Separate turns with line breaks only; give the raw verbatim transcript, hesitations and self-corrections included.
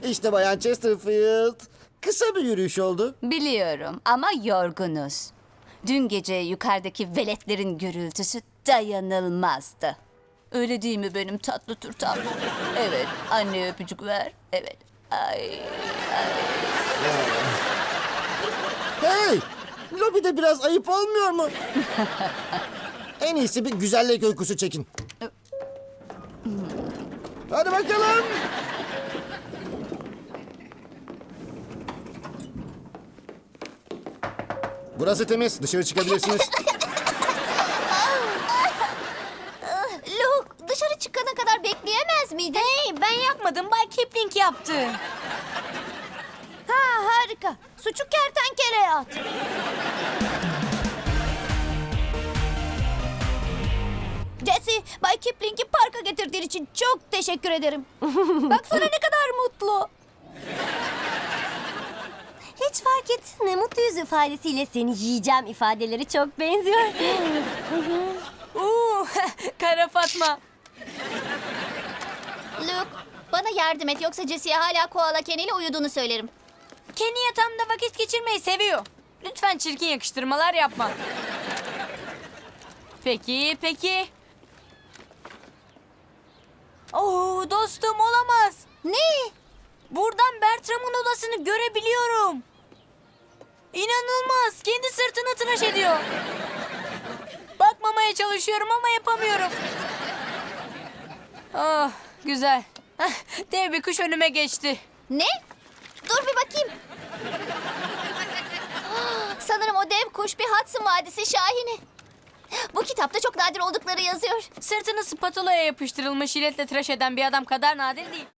İşte Bayan Chesterfield. Kısa bir yürüyüş oldu.
Biliyorum ama yorgunuz. Dün gece yukarıdaki veletlerin gürültüsü dayanılmazdı. Öyle değil mi benim tatlı turtam? Evet, anne öpücük ver. Evet. Ay,
Hey! Lobide biraz ayıp olmuyor mu? En iyisi bir güzellik uykusu çekin. Hadi bakalım. Burası temiz. Dışarı çıkabilirsiniz.
Luke, dışarı çıkana kadar bekleyemez miydin?
Hey, ben yapmadım. Bay Kipling yaptı.
Ha, harika. Suçu kertenkeleye at. Jesse, Bay Kipling'i parka getirdiğin için çok teşekkür ederim. Baksana ne kadar mutlu.
Hiç fark ettin mi? Mutlu yüz ifadesiyle seni yiyeceğim ifadeleri çok benziyor. Uuu, Kara Fatma.
Luke, bana yardım et yoksa Jesse'ye hala koala Kenny ile uyuduğunu söylerim.
Kenny yatağımda vakit geçirmeyi seviyor. Lütfen çirkin yakıştırmalar yapma. Peki, peki. Oo, dostum olamaz.
Ne?
Buradan Bertram'ın odasını görebiliyorum. İnanılmaz. Kendi sırtını tıraş ediyor. Bakmamaya çalışıyorum ama yapamıyorum. Ah, güzel. Ah, dev bir kuş önüme geçti.
Ne? Dur bir bakayım. Ah, sanırım o dev kuş bir Hudson Vadisi şahini. Bu kitapta çok nadir oldukları yazıyor.
Sırtını spatulaya yapıştırılmış jiletle tıraş eden bir adam kadar nadir değil.